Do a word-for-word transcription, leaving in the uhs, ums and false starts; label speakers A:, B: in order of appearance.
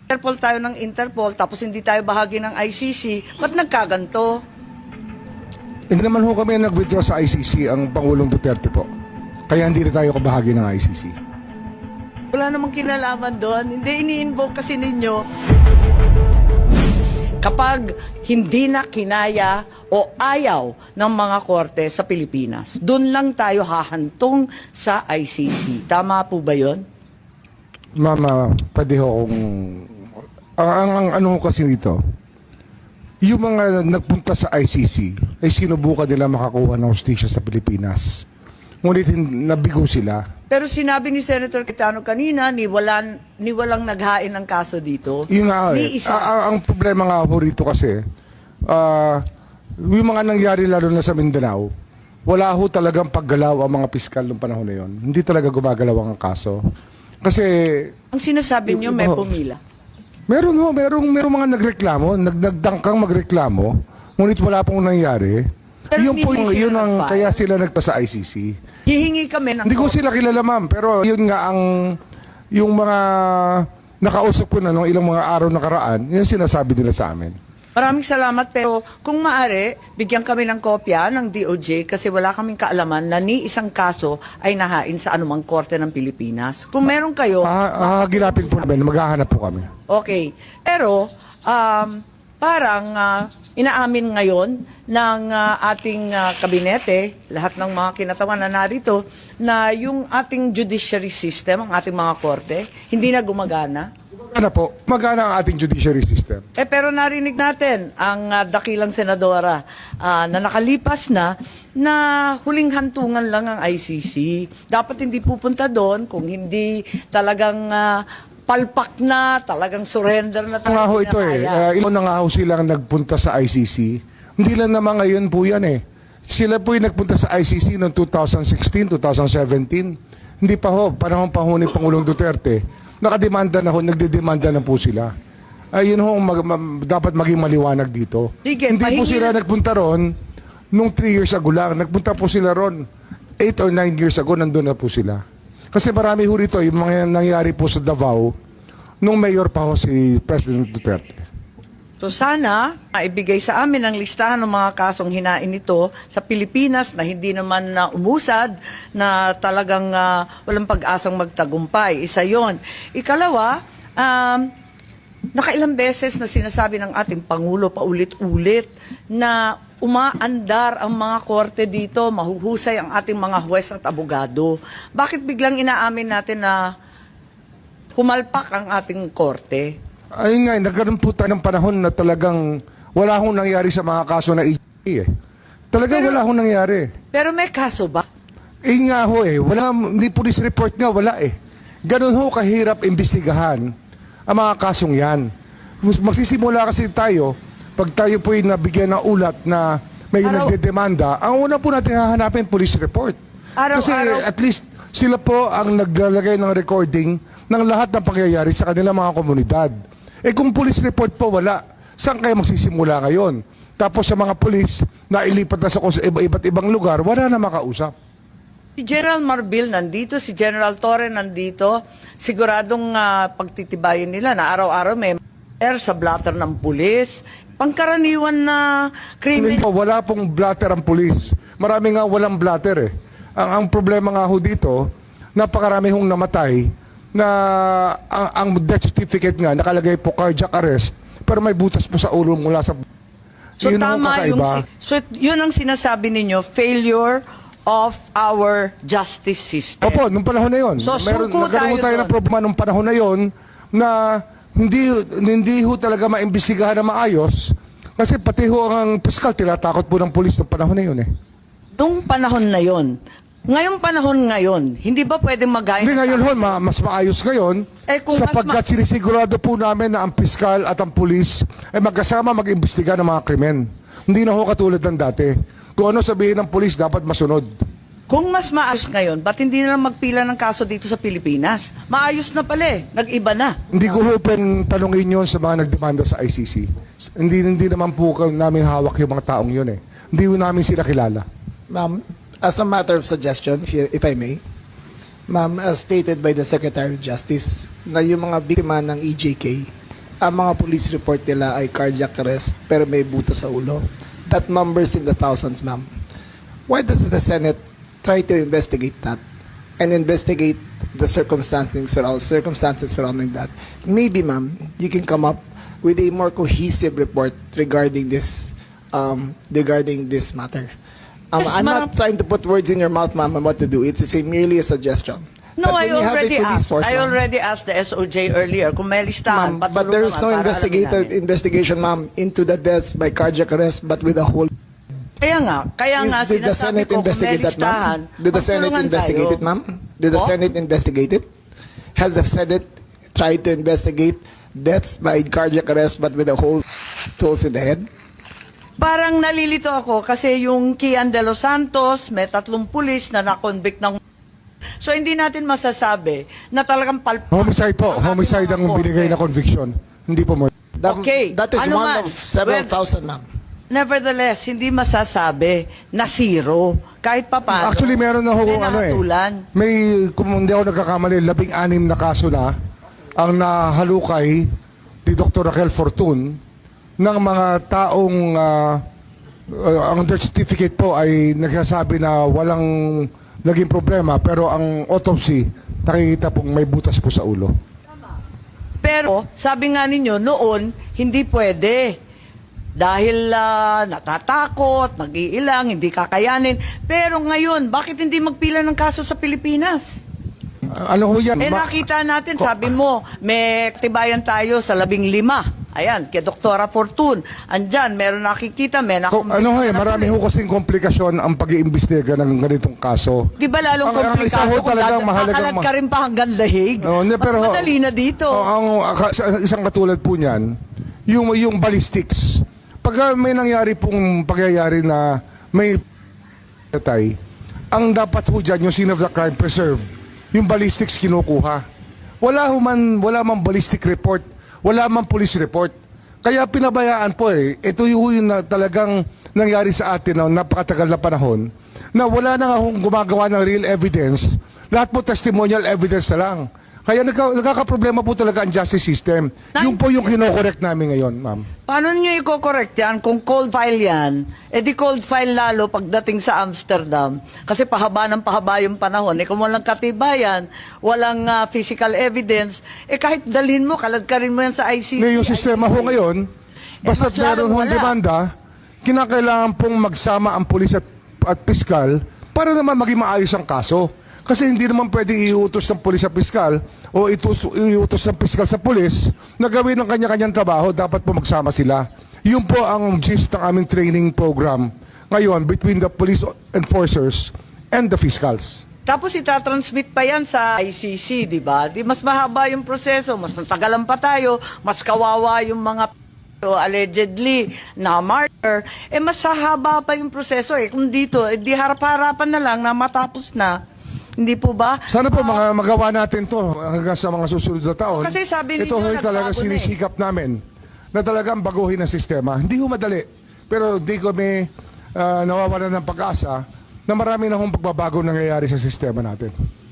A: Interpol tayo ng Interpol, tapos hindi tayo bahagi ng I C C, ba't nagkaganto?
B: Hindi naman ho kami nag-withdraw sa I C C ang Pangulong Duterte po. Kaya hindi na tayo kabahagi ng I C C.
A: Wala namang kinalaman doon. Hindi ini-invoke kasi ninyo. Kapag hindi na kinaya o ayaw ng mga korte sa Pilipinas, doon lang tayo hahantong sa I C C. Tama po ba yun?
B: Mama, pwede ho kung... Ang, ang, ang ano ho kasi nito, yung mga nagpunta sa I C C ay sinubukan nila makakuha ng hustisya sa Pilipinas. Ngunit hin- nabigo sila.
A: Pero sinabi ni Senator Cayetano kanina, ni, walang, ni walang naghain ng kaso dito.
B: Yung nga,
A: Ni
B: eh,
A: isa.
B: a- a- ang problema nga ho rito kasi, ah, yung mga nangyari lalo na sa Mindanao, wala ho talagang paggalaw ang mga piskal ng panahon na yun. Hindi talaga gumagalaw ang kaso. Kasi,
A: Ang sinasabi niyo, may
B: Iba ho.
A: pumila.
B: meron ho, merong, merong mga nagreklamo, nag, nagdangkang magreklamo, ngunit wala pong nangyari.
A: Pero
B: Yun po,
A: hindi
B: yung,
A: sila
B: yun ang,
A: nag-file.
B: kaya sila nagpa sa I C C.
A: Hihingi kami ng
B: Hindi ko sila kilala, ma'am, pero yun nga ang, yung mga nakausap ko na nung ilang mga araw nakaraan, yun sinasabi nila sa amin.
A: Maraming salamat, pero kung maaari, bigyan kami ng kopya ng D O J kasi wala kaming kaalaman na ni isang kaso ay nahain sa anumang korte ng Pilipinas. Kung meron kayo,
B: Ah, ah, gilapin po namin, maghahanap po kami.
A: okay. Pero, um, parang ah, inaamin ngayon ng ah, ating ah, kabinete, lahat ng mga kinatawan na narito, na yung ating judiciary system, ang ating mga korte, hindi na gumagana.
B: Magana po, magana ang ating judiciary system.
A: Eh pero narinig natin ang ah, dakilang senadora ah, na nakalipas na na huling hantungan lang ang I C C. Dapat hindi pupunta doon kung hindi talagang ah, palpak na, talagang surrender na
B: Nga ho ito eh, uh, ilan na nga ho silang nagpunta sa I C C. Hindi lang naman ngayon po yan eh. Sila po yung nagpunta sa I C C noong two thousand sixteen, two thousand seventeen. Hindi pa ho, panahon pa ho ni Pangulong Duterte. Nakademanda na ho, nagdedemanda na po sila. Ayun ho, mag, ma- dapat maging maliwanag dito.
A: Sige,
B: Hindi po
A: pahingi-
B: sila nagpunta ron nung three years ago lang. Nagpunta po sila ron eight or nine years ago, nandun na po sila. Kasi marami ho rito, yung mga nangyari po sa Davao, nung mayor pa ho si President Duterte.
A: So sana maibigay sa amin ang listahan ng mga kasong hinain nito sa Pilipinas na hindi naman na umusad, na talagang ah, walang pag-asang magtagumpay. Isa yon. Ikalawa, um, nakailang beses na sinasabi ng ating Pangulo paulit-ulit na umaandar ang mga korte dito, mahuhusay ang ating mga huwes at abogado. Bakit biglang inaamin natin na humalpak ang ating korte?
B: Ayun nga, eh, nagkaroon po tayo ng panahon na talagang wala hong nangyari sa mga kaso na I C C eh. Talagang
A: Pero-
B: wala hong nangyari.
A: Pero may kaso ba?
B: Eh nga ho eh, wala, hindi police report nga, wala eh. Ganun ho kahirap imbestigahan ang mga kasong yan. Mas- Magsisimula kasi tayo, pag tayo po ay nabigyan ng ulat na may
A: Araw-
B: nagdedemanda, ang una po natin hahanapin police report. Kasi
A: Araw-araw-
B: at least sila po ang naglalagay ng recording ng lahat ng pangyayari sa kanilang mga komunidad. Eh kung police report po wala, saan kayo magsisimula ngayon? Tapos sa mga police na ilipat na sa kus- iba- iba't ibang lugar, wala na makausap.
A: Si General Marbil nandito, si General Torre nandito. Siguradong ah, pagtitibayin nila na araw-araw may air sa blatter ng pulis. Pangkaraniwan na krimen.
B: Hindi po, wala pong blatter ang pulis. Marami nga walang blatter eh. Ang, ang problema nga ho dito, napakarami hong namatay na ang, ang death certificate nga nakalagay po cardiac arrest pero may butas po sa ulo mula sa...
A: So
B: Yun ang
A: tama yung
B: kakaiba.
A: si- so yun ang sinasabi ninyo, failure of our justice system.
B: Opo, nung panahon na yon.
A: So,
B: Meron,
A: suko
B: nagkaroon
A: tayo
B: tayo
A: doon.
B: ng problema nung panahon na yon na hindi hindi ho talaga maimbestigahan na maayos kasi pati ho ang piskal tinatakot po ng pulis nung panahon na yon eh.
A: Nung panahon na yon, ngayong panahon ngayon, hindi ba pwedeng mag-gain?
B: Hindi ngayon ho, ma- mas maayos ngayon
A: Eh, kung mas
B: sapagkat sinisigurado po namin na ang piskal at ang pulis ay magkasama mag-imbestiga ng mga krimen. Hindi na ho katulad ng dati. Kung ano sabihin ng pulis, dapat masunod.
A: Kung mas maayos ngayon, ba't hindi na lang magpila ng kaso dito sa Pilipinas? Maayos na pala eh. Nag-iba na.
B: Hindi ko ho pwedeng tanongin yun sa mga nagdemanda sa I C C. Hindi, hindi naman po ka- namin hawak yung mga taong yun eh. Hindi ho namin sila kilala.
C: Ma'am, as a matter of suggestion, if, you, if I may, ma'am, as stated by the Secretary of Justice, na yung mga biktima ng E J K ang mga police report nila ay cardiac arrest pero may butas sa ulo. That numbers in the thousands, ma'am. Why does the Senate try to investigate that and investigate the circumstances surrounding circumstances surrounding that? Maybe, ma'am, you can come up with a more cohesive report regarding this um, regarding this matter. Um,
A: Yes,
C: I'm
A: ma'am.
C: not trying to put words in your mouth, ma'am, on what to do. It's a, merely a suggestion.
A: No,
C: But
A: I
C: when you have a
A: already
C: police
A: asked.
C: force,
A: I
C: ma'am,
A: already asked the S O J earlier kung may listahan.
C: Ma'am, but there is no investigated investigation, ma'am, into the deaths by cardiac arrest, but with a whole.
A: Kaya nga, kaya
C: Is-
A: nga
C: did the
A: sinasabi
C: Senate
A: ko kung may
C: investigate that,
A: listahan,
C: ma'am? Did the Senate
A: magtulungan
C: investigate
A: tayo.
C: it, ma'am? Did the
A: Po?
C: Senate investigate it? Has the Senate tried to investigate deaths by cardiac arrest, but with a whole tools in the head?
A: Parang nalilito ako kasi yung Kian de los Santos, may tatlong pulis na nakonvict ng... So hindi natin masasabi na talagang palpak.
B: Homicide po.
A: ang ating
B: Homicide
A: mga
B: ang binigay na
A: korte.
B: conviction. Hindi po mo.
C: That,
A: Okay.
C: That is
A: Ano
C: one
A: man?
C: of several
A: Well-
C: thousand, ma'am.
A: Nevertheless, hindi masasabi na zero. Kahit pa paano.
B: Actually, meron na ho,
A: may
B: ano eh.
A: nahatulan.
B: May, kung hindi ako nagkakamali, labing anim na kaso na ang nahalukay ni Doctor Raquel Fortun ng mga taong ah, ah, ang death certificate po ay nagsasabi na walang naging problema pero ang autopsy nakikita pong may butas po sa ulo.
A: Pero, sabi nga ninyo, noon, hindi pwede. Dahil ah, natatakot, nag-iilang, hindi kakayanin. Pero ngayon, bakit hindi magpila ng kaso sa Pilipinas?
B: Ah, ano ho yan?
A: Eh
B: Ma-
A: nakita natin, sabi mo, may tibayan tayo sa labing lima. Ayan, kay Doktora Fortun. Andyan, meron nakikita, may
B: Ko,
A: nakumbit.
B: ano ho eh, marami ho kasing komplikasyon ang pag-iimbestiga ng ganitong kaso.
A: Di ba lalong
B: Ang- ang isa
A: komplikado
B: ho
A: kung
B: talagang
A: dad-
B: mahalagang
A: kakalat
B: ma-
A: ka rin pa hanggang dahig?
B: Oh, hindi,
A: Mas
B: pero,
A: madali na dito.
B: Oh, ang aka- sa- isang katulad po niyan, yung yung ballistics. Pag may nangyari pong pagyayari na may patay, ang dapat ho dyan, yung scene of the crime preserved, yung ballistics kinukuha. Wala ho man, wala man ballistic report, wala man police report. Kaya pinabayaan po eh. Ito yung, yung na, talagang nangyari sa atin na napakatagal na panahon na wala na nga hong gumagawa ng real evidence. Lahat po testimonial evidence na lang. Kaya nagka, nagkakaproblema po talaga ang justice system. Yun po yung kinokorek namin ngayon, ma'am.
A: Paano nyo i-correct yan kung cold file yan? Eh di cold file lalo pagdating sa Amsterdam. Kasi pahaba ng pahaba yung panahon. Eh kung walang katibayan, walang ah, physical evidence, eh kahit dalhin mo, kaladkarin mo yan sa I C C.
B: Ngayon, yung sistema ho ngayon, basta
A: mas
B: meron
A: lalong
B: hong
A: wala.
B: demanda, kinakailangan pong magsama ang pulis at, at piskal para naman maging maayos ang kaso. Kasi hindi naman pwede iutos ng pulis sa piskal o itus, iutos ng piskal sa pulis na gawin ang kanya-kanyang trabaho, dapat po magsama sila. Yun po ang gist ng aming training program ngayon between the police enforcers and the fiscals.
A: Tapos itatransmit pa yan sa I C C, di ba? Di mas mahaba yung proseso, mas natagalan pa tayo, mas kawawa yung mga o allegedly na martyr, eh mas hahaba pa yung proseso eh. Kung dito, eh, di harap-harapan na lang na matapos na. Hindi po ba?
B: Sana po mga magawa natin to hanggang sa mga susunod na taon.
A: Kasi sabi
B: ito
A: ninyo,
B: ho'y talaga
A: nagbago na eh.
B: sinisikap namin na talagang baguhin ang sistema. Hindi ho madali. Pero di kami uh, nawawalan ng pag-asa na marami na hong pagbabago nangyayari sa sistema natin.